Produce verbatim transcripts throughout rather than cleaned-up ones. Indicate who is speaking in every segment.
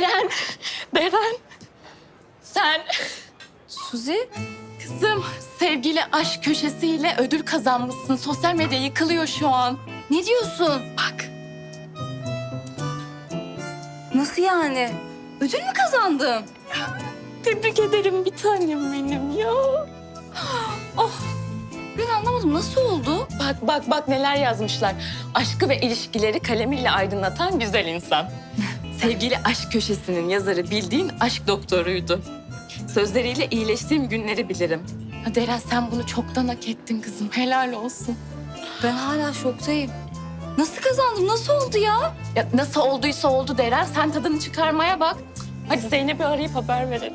Speaker 1: Deren, Deren. Sen
Speaker 2: Suzi?
Speaker 1: kızım sevgili aşk köşesiyle ödül kazanmışsın. Sosyal medya yıkılıyor şu an.
Speaker 2: Ne diyorsun?
Speaker 1: Bak.
Speaker 2: Nasıl yani? Ödül mü kazandım?
Speaker 1: Tebrik ederim bir tanem benim ya.
Speaker 2: Oh, ben anlamadım. Nasıl oldu?
Speaker 1: Bak bak bak neler yazmışlar. Aşkı ve ilişkileri kalemiyle aydınlatan güzel insan. Sevgili aşk köşesinin yazarı bildiğin aşk doktoruydu. Sözleriyle iyileştiğim günleri bilirim. Ha Deren sen bunu çoktan hak ettin kızım. Helal olsun.
Speaker 2: Ben hala şoktayım. Nasıl kazandım? Nasıl oldu ya?
Speaker 1: Ya nasıl olduysa oldu Deren. Sen tadını çıkarmaya bak. Hadi Zeynep'i arayıp haber verelim.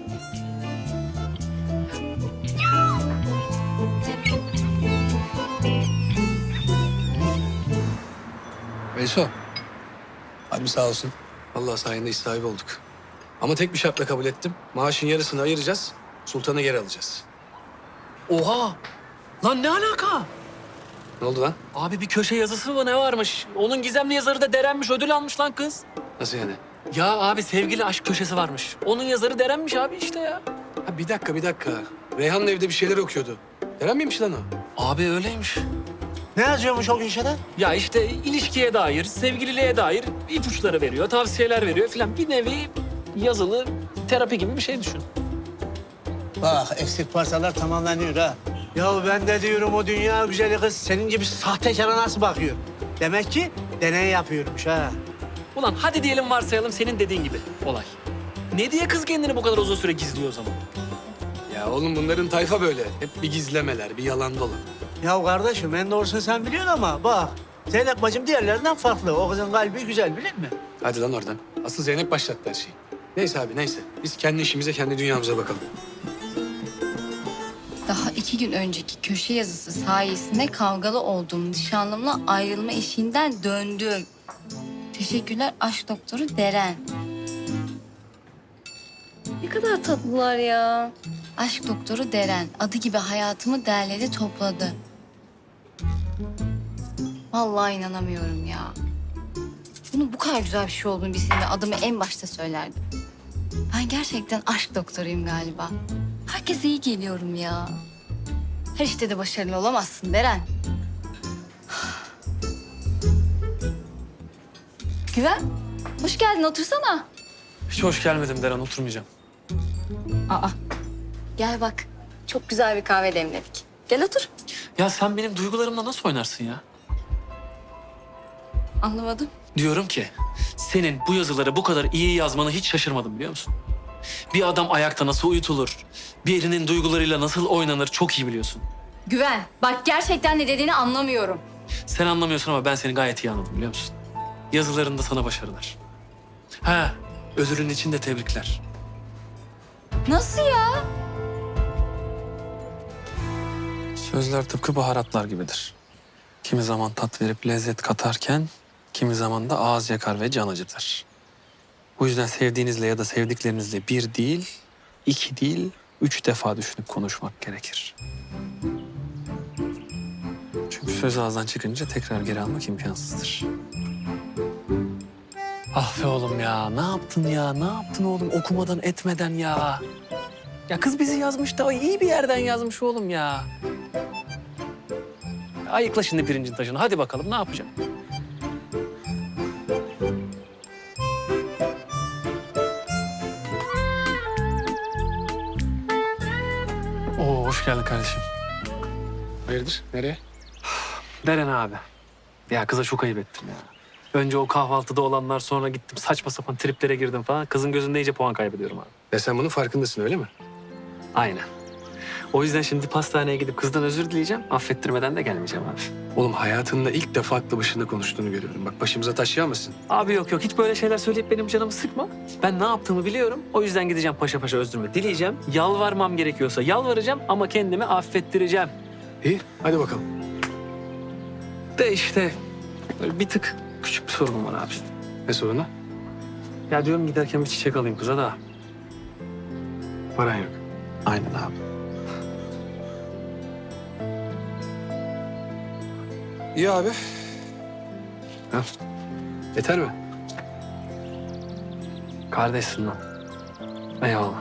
Speaker 3: Veyso. Abi sağ olsun. Vallahi sayende iş sahibi olduk. Ama tek bir şartla kabul ettim. Maaşın yarısını ayıracağız. Sultan'ı geri alacağız.
Speaker 4: Oha! Lan ne alaka?
Speaker 3: Ne oldu lan?
Speaker 4: Abi bir köşe yazısı mı ne varmış? Onun gizemli yazarı da Deren'miş, ödül almış lan kız.
Speaker 3: Nasıl yani?
Speaker 4: Ya abi sevgili aşk köşesi varmış. Onun yazarı Deren'miş abi işte ya.
Speaker 3: Ha, bir dakika bir dakika. Reyhan'la evde bir şeyler okuyordu. Deren miymiş lan o?
Speaker 4: Abi öyleymiş.
Speaker 5: Ne yazıyormuş o köşede?
Speaker 4: Ya işte ilişkiye dair, sevgililiğe dair ipuçları veriyor, tavsiyeler veriyor filan. Bir nevi yazılı terapi gibi bir şey düşün.
Speaker 5: Bak eksik parçalar tamamlanıyor ha. Ya ben de diyorum o dünya güzeli kız senin gibi sahtekara nasıl bakıyor? Demek ki deney yapıyormuş ha.
Speaker 4: Ulan hadi diyelim varsayalım senin dediğin gibi olay. Ne diye kız kendini bu kadar uzun süre gizliyor o zaman?
Speaker 3: Ya oğlum bunların tayfa böyle. Hep bir gizlemeler, bir yalan dolan.
Speaker 5: Ya kardeşim en doğrusunu sen biliyorsun ama bak. Zeynep bacım diğerlerinden farklı. O kızın kalbi güzel bilir mi?
Speaker 3: Hadi lan oradan. Asıl Zeynep başlattı her şeyi. Neyse abi neyse. Biz kendi işimize, kendi dünyamıza bakalım.
Speaker 2: Daha iki gün önceki köşe yazısı sayesinde kavgalı olduğum nişanlımla ayrılma eşiğinden döndüm. Teşekkürler aşk doktoru Deren. Ne kadar tatlılar ya. Aşk doktoru Deren. Adı gibi hayatımı derledi topladı. Vallahi inanamıyorum ya. Bunun bu kadar güzel bir şey olduğunu bilseydim adımı en başta söylerdim. Ben gerçekten aşk doktoruyum galiba. Herkese iyi geliyorum ya. Her işte de başarılı olamazsın Deren. Güven, hoş geldin. Otursana.
Speaker 4: Hiç hoş gelmedim Deren, oturmayacağım.
Speaker 2: Aa, gel bak. Çok güzel bir kahve demledik. Gel otur.
Speaker 4: Ya sen benim duygularımla nasıl oynarsın ya?
Speaker 2: Anlamadım.
Speaker 4: Diyorum ki senin bu yazıları bu kadar iyi yazmanı hiç şaşırmadım biliyor musun? Bir adam ayakta nasıl uyutulur, birinin duygularıyla nasıl oynanır çok iyi biliyorsun.
Speaker 2: Güven, bak gerçekten ne dediğini anlamıyorum.
Speaker 4: Sen anlamıyorsun ama ben seni gayet iyi anladım biliyor musun? Yazılarında sana başarılar. Ha, ödülün için de tebrikler.
Speaker 2: Nasıl ya?
Speaker 4: Sözler tıpkı baharatlar gibidir. Kimi zaman tat verip lezzet katarken, kimi zaman da ağız yakar ve can acıtır. Bu yüzden sevdiğinizle ya da sevdiklerinizle bir değil, iki değil, üç defa düşünüp konuşmak gerekir. Çünkü söz ağızdan çıkınca tekrar geri almak imkansızdır. Ah be oğlum ya, ne yaptın ya, ne yaptın oğlum okumadan etmeden ya? Ya kız bizi yazmış da iyi bir yerden yazmış oğlum ya. Ayıkla şimdi pirincin taşını. Hadi bakalım ne yapacağım? Oo, hoş geldin kardeşim.
Speaker 3: Hayırdır? Nereye?
Speaker 4: Deren abi. Ya kıza çok ayıp ettim ya. Önce o kahvaltıda olanlar, sonra gittim saçma sapan triplere girdim falan. Kızın gözünde iyice puan kaybediyorum abi.
Speaker 3: Ve sen bunun farkındasın öyle mi?
Speaker 4: Aynen. O yüzden şimdi pastaneye gidip kızdan özür dileyeceğim. Affettirmeden de gelmeyeceğim abi.
Speaker 3: Oğlum hayatında ilk defa aklı başında konuştuğunu görüyorum. Bak başımıza taş yağmasın.
Speaker 4: Abi yok yok hiç böyle şeyler söyleyip benim canımı sıkma. Ben ne yaptığımı biliyorum. O yüzden gideceğim paşa paşa özrümü dileyeceğim. Yalvarmam gerekiyorsa yalvaracağım ama kendimi affettireceğim.
Speaker 3: İyi hadi bakalım.
Speaker 4: De işte böyle bir tık küçük bir sorunum var abi.
Speaker 3: Ne sorunu?
Speaker 4: Ya diyorum giderken bir çiçek alayım kıza da.
Speaker 3: Paran yok.
Speaker 4: Aynen abi.
Speaker 3: İyi abi. Ha. Yeter mi?
Speaker 4: Kardeşsin lan. Eyvallah.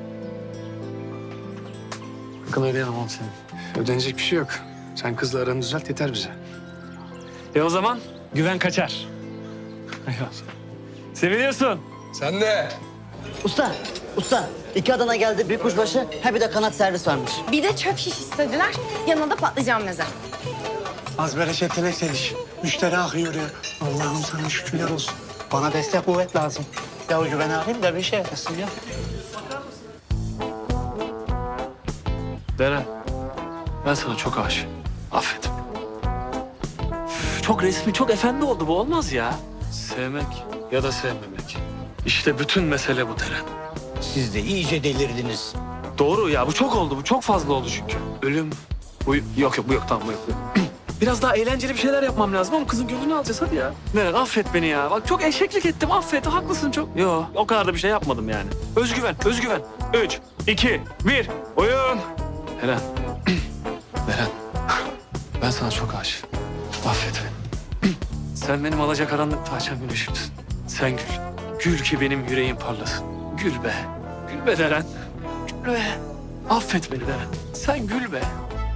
Speaker 4: Bakın öyle yapamam seni.
Speaker 3: Ödenecek bir şey yok. Sen kızla aranı düzelt yeter bize.
Speaker 4: E o zaman güven kaçar. Eyvallah. Seviliyorsun.
Speaker 3: Sen de.
Speaker 6: Usta, usta. iki Adana geldi, bir kuşbaşı, ha bir de kanat servis varmış.
Speaker 7: Bir de çöp şiş istediler. Yanına da patlıcan meze.
Speaker 5: Az bereketine seliş. Müşteri akıyor ya. Allah'ım sana şükürler olsun. Bana destek kuvvet lazım. Ya o güveni alayım da bir şey yapasın ya.
Speaker 4: Deren, ben sana çok aşığım. Affet. Üf, Çok resmi, çok efendi oldu bu. Olmaz ya. Sevmek ya da sevmemek. İşte bütün mesele bu Deren.
Speaker 5: Siz de iyice delirdiniz.
Speaker 4: Doğru ya, bu çok oldu. Bu çok fazla oldu çünkü. Ölüm. Bu yok yok, bu yok. Tamam, bu yok. Bu yok. Biraz daha eğlenceli bir şeyler yapmam lazım ama kızın gönlünü alacağız hadi ya. Deren affet beni ya. Bak çok eşeklik ettim. Affet. Haklısın çok. Yok, o kadar da bir şey yapmadım yani. Özgüven, özgüven. Üç, iki, bir. Oyun. Deren. Deren. Ben sana çok aşığım. Affet beni. Sen benim alacakaranlıkta açan güneşimsin. Sen gül. Gül ki benim yüreğim parlasın. Gül be. Gül be Deren. Gül be. Affet beni Deren. Sen gül be.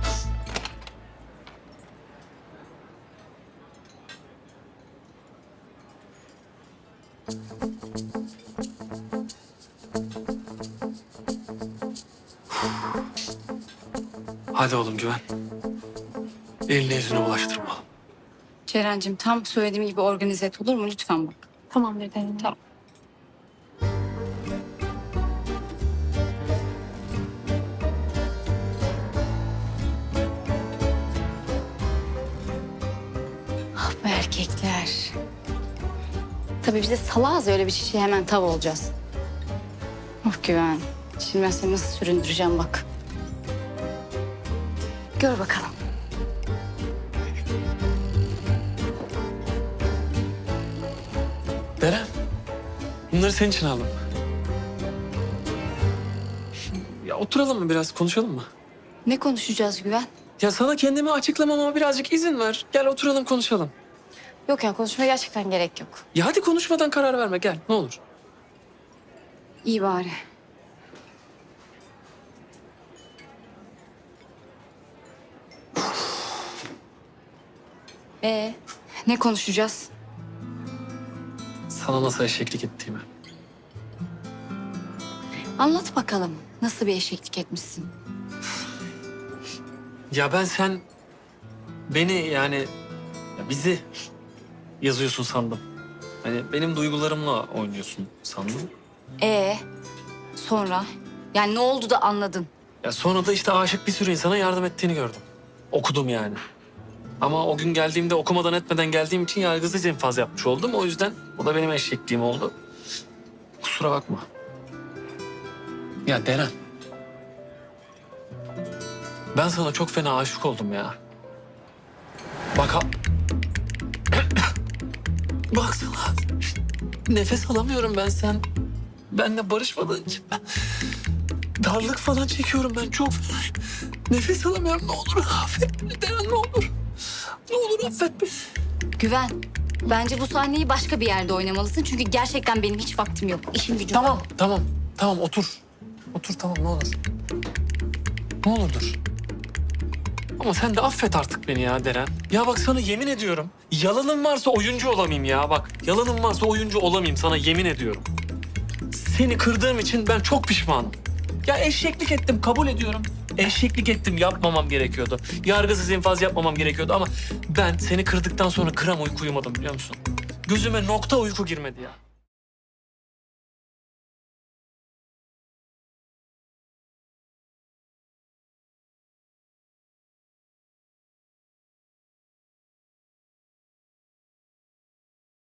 Speaker 4: Hadi oğlum güven. Eline yüzüne bulaştırma.
Speaker 2: Ceren'cim tam söylediğim gibi organize et olur mu? Lütfen bak.
Speaker 7: Tamamdır Deren.
Speaker 2: Tamam. Ah be erkekler. Tabii biz de salağız, öyle bir şişe hemen tav olacağız. Oh güven. Şimdi ben seni nasıl süründüreceğim bak. Gör bakalım.
Speaker 4: Deren. Bunları senin için aldım. Ya oturalım mı biraz konuşalım mı?
Speaker 2: Ne konuşacağız Güven?
Speaker 4: Ya sana kendimi açıklamama birazcık izin ver. Gel oturalım konuşalım.
Speaker 2: Yok ya, konuşmaya gerçekten gerek yok.
Speaker 4: Ya hadi konuşmadan karar verme gel ne olur.
Speaker 2: İyi bari. Ee, ne konuşacağız?
Speaker 4: Sana nasıl eşeklik ettiğimi.
Speaker 2: Anlat bakalım. Nasıl bir eşeklik etmişsin?
Speaker 4: Ya ben sen beni yani ya bizi yazıyorsun sandım. Hani benim duygularımla oynuyorsun sandım.
Speaker 2: Ee, sonra? Yani ne oldu da anladın?
Speaker 4: Ya sonra da işte aşık bir sürü insana yardım ettiğini gördüm. Okudum yani. Ama o gün geldiğimde okumadan etmeden geldiğim için yargısız infaz yapmış oldum. O yüzden o da benim eşekliğim oldu. Kusura bakma. Ya Deren. Ben sana çok fena aşık oldum ya. Bak ha... Baksana. Nefes alamıyorum ben sen. Benle barışmadığın için ben... Darlık falan çekiyorum ben çok. Nefes alamıyorum. Ne olur affet beni Deren ne olur. Ne olur affet beni.
Speaker 2: Güven, bence bu sahneyi başka bir yerde oynamalısın. Çünkü gerçekten benim hiç vaktim yok. İşim gücüm
Speaker 4: Tamam,
Speaker 2: var.
Speaker 4: tamam. Tamam otur. Otur tamam ne olur. Ne olur dur. Ama sen de affet artık beni ya Deren. Ya bak sana yemin ediyorum. Yalanım varsa oyuncu olamayayım ya. Bak yalanım varsa oyuncu olamayayım sana yemin ediyorum. Seni kırdığım için ben çok pişmanım. Ya eşeklik ettim kabul ediyorum. Eşeklik ettim yapmamam gerekiyordu. Yargısız infaz yapmamam gerekiyordu ama ben seni kırdıktan sonra gram uyku uyumadım biliyor musun? Gözüme nokta uyku girmedi ya.